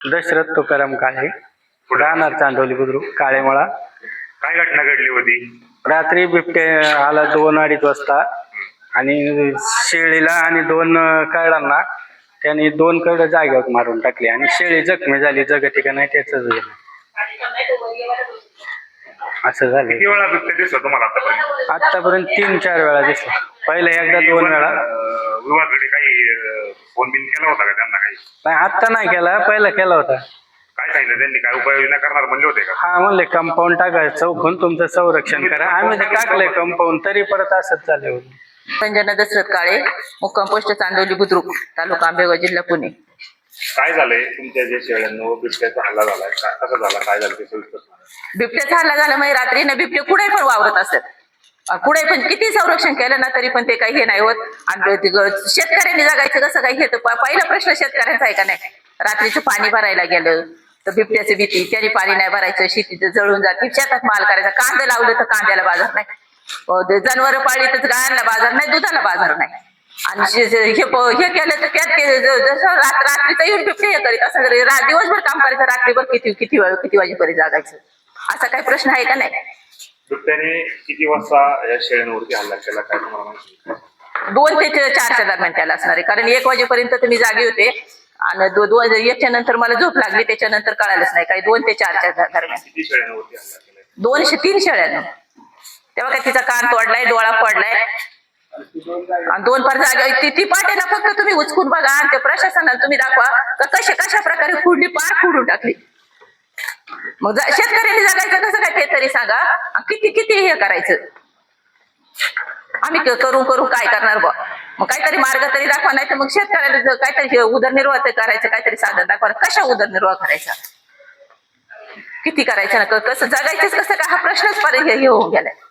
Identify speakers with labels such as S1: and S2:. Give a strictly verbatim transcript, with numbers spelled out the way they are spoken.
S1: दशरथ तुकाराम काळे, राहणार चांदोली बुद्रुक, काळेमळा.
S2: काय घटना घडली होती?
S1: रात्री बिबटे आला दोन अडीच वाजता आणि शेळीला आणि दोन कळांना त्यांनी दोन कड जागेवर मारून टाकले आणि शेळी जखमी झाली. जगती का नाही त्याच असं झालं.
S2: किती वेळा बिबट्या दिसला तुम्हाला आतापर्यंत?
S1: आतापर्यंत तीन चार वेळा दिसला. पहिले एकदा दोन वेळा.
S2: विभागाकडे काही फोन बिन केला होता का त्यांना? काही
S1: नाही, आत्ता नाही केला, पहिला केला होता.
S2: काय सांगितलं त्यांनी? काय उपाययोजना करणार म्हणले होते का?
S1: हा म्हणले कंपाऊंड टाकायचं, चौकून तुमचं संरक्षण करा. आम्ही ते टाकलंय कंपाऊंड, तरी परत असंच चालू होतं.
S3: संजना दशरथ काळे, मुक्काम पोस्ट चांदोली बुद्रुक, तालुका आंबेगाव, जिल्हा पुणे.
S2: काय झालंय तुमच्या जे शेळ्यांवर बिबट्याचा हल्ला झालाय? कसा झाला, काय झालं ते सविस्तर सांगा.
S3: बिबट्याचा हल्ला झाला म्हणजे रात्री ना बिबटे कुठे पण वावरत असतात. कुठे पण किती संरक्षण केलं ना तरी पण ते काही हे नाही होत. आणि शेतकऱ्यांनी जगायचं कसं काही हे तर पहिला प्रश्न शेतकऱ्यांचा आहे का नाही. रात्रीचं पाणी भरायला गेलं तर बिबट्याची भीती, त्याने पाणी नाही भरायचं, शेतीचं जळून जाते, शेतात माल करायचा, कांदे लावलं तर कांद्याला बाजार नाही, जनावर पाळली तर गायांना बाजार नाही, दुधाला बाजार नाही. आणि हे केलं तर त्यात जसं रात्रीचं येऊन बिबटे हे करीत असं दिवसभर काम करायचं, रात्रीभर किती किती किती वाजेपर्यंत जागायचं, असा काही प्रश्न आहे का नाही.
S2: बिबट्याने किती वाजता या शेळ्यांवरती हल्ला केला काय तुम्हाला माहिती?
S3: दोन ते चारच्या दरम्यान त्याला असणार आहे, कारण एक वाजेपर्यंत तुम्ही जागे होते आणि दोन एकच्या नंतर मला झोप लागली, त्याच्यानंतर कळालंच नाही काही. दोन ते चारच्या दरम्यान
S2: किती शेळ्यांवरती हल्ला केला?
S3: दोनशे तीन शेळ्यानं. तेव्हा काय तिचा कान तोडलाय, डोळा पडलाय आणि दोन पार जागा ती ती पाट्याला फक्त तुम्ही उचकून बघा आणि त्या प्रशासनाला तुम्ही दाखवा का कशा कशा प्रकारे फोडली, पार फोडून टाकली. मग शेतकऱ्यांनी जगायचं कसं काय ते तरी सांगा. किती किती हे करायचं आम्ही करू करू काय करणार बा. मग काहीतरी मार्ग तरी दाखवा, नाही तर मग शेतकऱ्याला काहीतरी उदरनिर्वाह करायचं, काहीतरी साधन दाखवा. कशा उदरनिर्वाह करायचा, किती करायचं ना, कसं जगायचंच कसं काय, हा प्रश्नच पर हे होऊन गेलाय.